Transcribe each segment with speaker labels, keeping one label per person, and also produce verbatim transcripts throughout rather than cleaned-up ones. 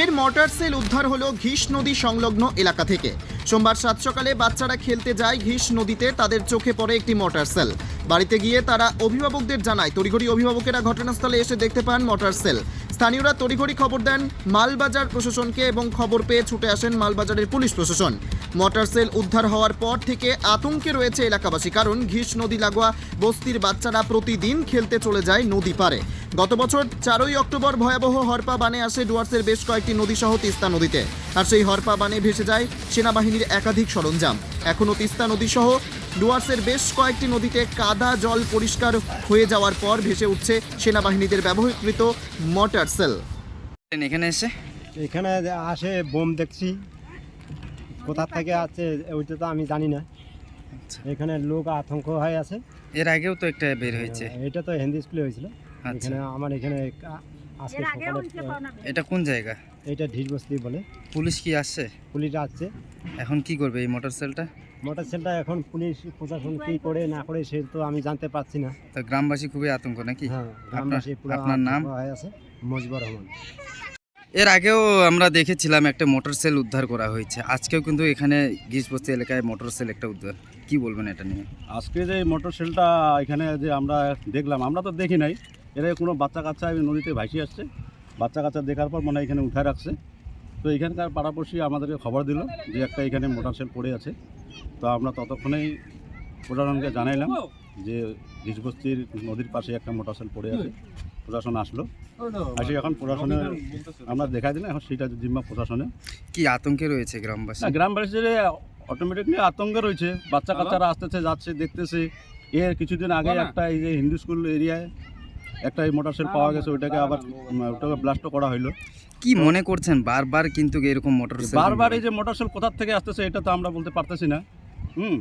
Speaker 1: ফের mortar shell উদ্ধার হলো ঘিস নদী সংলগ্ন এলাকা থেকে। সোমবার সাত সকালে বাচ্চারা খেলতে যায় ঘিস নদীতে, তাদের চোখে পড়ে একটি মর্টার সেল। বাড়িতে গিয়ে তারা অভিভাবকদের জানায়। তড়িঘড়ি অভিভাবকেরা ঘটনাস্থলে এসে দেখতে পান মর্টার সেল। স্থানীয়রা তড়িঘড়ি খবর দেন মালবাজার প্রশাসনকে এবং খবর পেয়ে ছুটে আসেন মালবাজারের পুলিশ প্রশাসন। মর্টার সেল উদ্ধার হওয়ার পর থেকে আতঙ্কে রয়েছে এলাকাবাসী, কারণ ঘিস নদী লাগোয়া বস্তির বাচ্চারা প্রতিদিন খেলতে চলে যায় নদী পারে। গত বছর চারই অক্টোবর ভয়াবহ হরপা বানে আসে ডুয়ার্সের বেশ কয়েকটি নদী সহ তিস্তা নদীতে, আর সেই হরপা বানে ভেসে যায় সেনাবাহিনীর একাধিক সরঞ্জাম। এখনও তিস্তা নদী সহ ডুয়ার্সের বেশ কয়েকটি নদীতে কাদা জল পরিষ্কার হয়ে যাওয়ার পর ভেসে উঠছে সেনাবাহিনীদের ব্যবহৃত মর্টার সেল।
Speaker 2: এখানে এসে
Speaker 3: এখানে আসে বোম দেখছি, কোথা থেকে আছে ওইটা তো আমি জানি না। এখানে লোক আতঙ্ক হয়ে আছে।
Speaker 2: এর আগেও তো একটা বের হয়েছে।
Speaker 3: এটা তো হিন্দি স্কুলে হয়েছিল।
Speaker 2: আচ্ছা।
Speaker 3: এখানে আমার এখানে আজকে সকালে
Speaker 2: এটা কোন জায়গা?
Speaker 3: এটা ঢিসবস্তি বলে।
Speaker 2: পুলিশ কি আসছে?
Speaker 3: পুলিশ আসছে।
Speaker 2: এখন কি করবে এই মোটর সেলটা?
Speaker 3: মোটর সেলটা এখন পুলিশ প্রশাসন কি করে না করে সে তো আমি জানতে পারছি না।
Speaker 2: তো গ্রামবাসী খুবই আতঙ্ক নাকি?
Speaker 3: হ্যাঁ, গ্রামবাসী পুরো
Speaker 2: আপনার নাম?
Speaker 3: হয়ে আছে মজিবুর রহমান।
Speaker 2: এর আগেও আমরা দেখেছিলাম একটা মোটর সেল উদ্ধার করা হয়েছে, আজকেও কিন্তু এখানে ঘিসবস্তি এলাকায় মোটর সেল একটা উদ্ধার। কি বলবেন এটা নিয়ে?
Speaker 4: আজকে যে মোটর সেলটা এখানে যে আমরা দেখলাম, আমরা তো দেখি নাই, এরা কোনো বাচ্চা কাচ্চা নদীতে ভাসি আসছে। বাচ্চা কাচ্চা দেখার পর মনে হয় এখানে উঠায় রাখছে। তো এখানকার পাড়াপড়শি আমাদেরকে খবর দিল যে একটা এখানে মোটর সেল পড়ে আছে। তো আমরা ততক্ষণেই প্রশাসনকে জানাইলাম যে ঘিসবস্তির নদীর পাশে একটা মোটর সেল পড়ে আছে। প্রশাসন আসলো, আসে এখন প্রশাসনে আমরা দেখাই দিলাম, এখন সেটা জিম্মা প্রশাসনে।
Speaker 2: কি আতঙ্কে রয়েছে গ্রামবাসী?
Speaker 4: না, গ্রামবাসীদের অটোমেটিকলি আতঙ্কে রয়েছে। বাচ্চা কাচ্চারা আসতেছে যাচ্ছে দেখতেছে। এর কিছুদিন আগে একটা এই যে হিন্দু স্কুল এরিয়ায় একটা এই মোটর সেল পাওয়া গেছে, ওইটাকে আবার ওটাকে ব্লাস্টও করা হইলো।
Speaker 2: কি মনে করছেন বারবার কিন্তু এরকম মোটর সেল
Speaker 4: বারবার এই যে মোটর সেল কোথা থেকে আসতেছে এটা তো আমরা বলতে পারতেছি না। হুম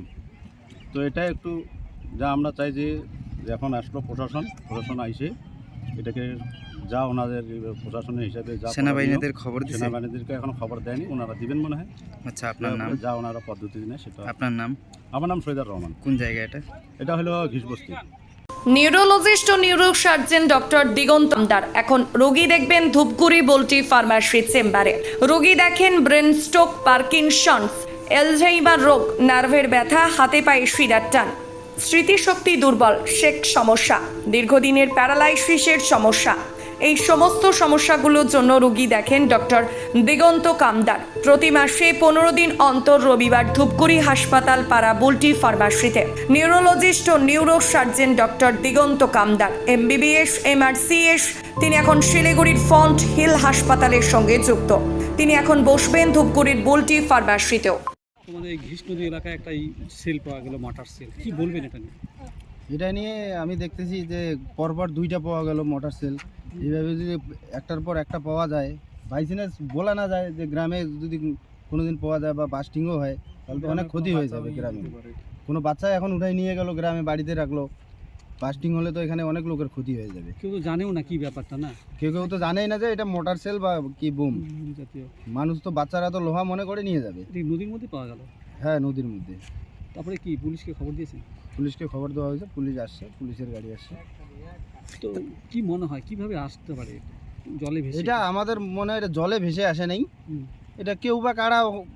Speaker 4: তো এটা একটু যা আমরা চাই যে এখন আসলো প্রশাসন, প্রশাসন আইসে এটাকে যা ওনাদের প্রশাসনের হিসাবে যা
Speaker 2: সেনাবাহিনীদের খবর দিয়েছে।
Speaker 4: সেনাবাহিনীদেরকে এখন খবর দেয়নি, ওনারা দিবেন মনে হয়।
Speaker 2: আচ্ছা, আপনার নাম?
Speaker 4: যা ওনারা পদ্ধতি নেয় সেটা।
Speaker 2: আপনার নাম?
Speaker 4: আমার নাম সৈয়দার রহমান।
Speaker 2: কোন জায়গা এটা?
Speaker 4: এটা হলো ঘিসবস্তি।
Speaker 5: নিউরোলজিস্ট ও neuro surgeon doctor Diganta Amdar এখন রোগী দেখবেন ধূপগুড়ি বল্টি ফার্মাসি চেম্বারে। রোগী দেখেন ব্রেন স্ট্রোক, পার্কিনসন্স, এলঝেইমার রোগ, নার্ভের ব্যথা, হাতে পায়ে শিরার টান, স্মৃতিশক্তি দুর্বল, শেক সমস্যা, দীর্ঘদিনের প্যারালাইসিসের সমস্যা। এই সমস্ত সমস্যাগুলোর জন্য রোগী দেখেন ডক্টর দিগন্ত কামদার। প্রতি মাসে পনেরো দিন অন্তর রবিবার ধূপগুড়ি হাসপাতাল পাড়া বুলটি ফার্মাসিতে নিউরোলজিস্ট ও neuro surgeon doctor Diganta Kamdar, MBBS, MRCS. তিনি এখন শিলিগুড়ির ফন্ট হিল হাসপাতালের সঙ্গে যুক্ত। তিনি এখন বসবেন ধূপগুড়ির বুলটি ফার্মাসিতেও।
Speaker 6: তোমাদের এই ঘিস নদী এলাকায় একটা সেল পাওয়া গেল, মোটর সেল, কি বলবেন এটা নিয়ে?
Speaker 7: এটা নিয়ে আমি দেখতেছি যে পরপর দুইটা পাওয়া গেল মোটর সেল। এইভাবে যদি একটার পর একটা পাওয়া যায়, বাই চান্স বলা না যায় যে গ্রামে যদি কোনো দিন পাওয়া যায় বা বাস্টিংও হয় তাহলে তো অনেক ক্ষতি হয়ে যাবে গ্রামে। কোনো বাচ্চা এখন উঠাই নিয়ে গেল গ্রামে, বাড়িতে রাখলো, বাস্টিং হলে তো এখানে অনেক লোকের ক্ষতি হয়ে যাবে।
Speaker 6: কেউ তো জানেও না কি ব্যাপারটা, না
Speaker 7: কেউ কেউ তো জানেই না যে এটা মোটর সেল বা কি বুম
Speaker 6: জাতীয়।
Speaker 7: মানুষ তো বাচ্চারা তো লোহা মনে করে নিয়ে যাবে।
Speaker 6: এই নদীর মধ্যে পাওয়া গেল?
Speaker 7: হ্যাঁ, নদীর মধ্যে।
Speaker 6: তারপরে কি পুলিশকে খবর দিয়েছেন?
Speaker 7: পুলিশকে খবর দেওয়া হয়েছে, পুলিশ আসছে, পুলিশের গাড়ি আসছে।
Speaker 6: তো কি মনে হয় কিভাবে আসতে পারে জলে ভেসে?
Speaker 7: এটা আমাদের মনে হয় এটা জলে ভেসে আসে নাই।
Speaker 6: হুম।
Speaker 7: এটা কেউ বা কারা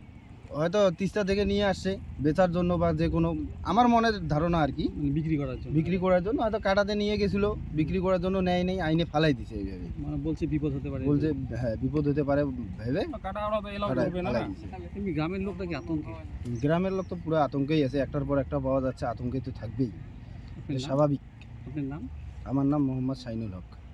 Speaker 7: হয়তো তিস্তা থেকে নিয়ে আসছে বেচার জন্য বা যে কোনো, আমার মনের ধারণা আর কি,
Speaker 6: মানে বিক্রি করার জন্য।
Speaker 7: বিক্রি করার জন্য হয়তো কাটাতে নিয়ে গেছিলো, বিক্রি করার জন্য নেয় নেই, আইনে ফালাই দিছে এইভাবে।
Speaker 6: মানে বলছে বিপদ হতে পারে,
Speaker 7: বলছে হ্যাঁ বিপদ হতে পারে ভেবে ফালাই- ফালাই দিছে।
Speaker 6: এমনি গ্রামের লোকটা কি আতঙ্কে?
Speaker 7: গ্রামের লোক তো পুরো আতঙ্কেই আছে, একটার পর একটা পাওয়া যাচ্ছে, আতঙ্কে তো থাকবেই,
Speaker 6: আপনার নাম?
Speaker 7: স্বাভাবিক।
Speaker 6: আপনার নাম?
Speaker 7: আমার নাম মোহাম্মদ শাইনুল হক।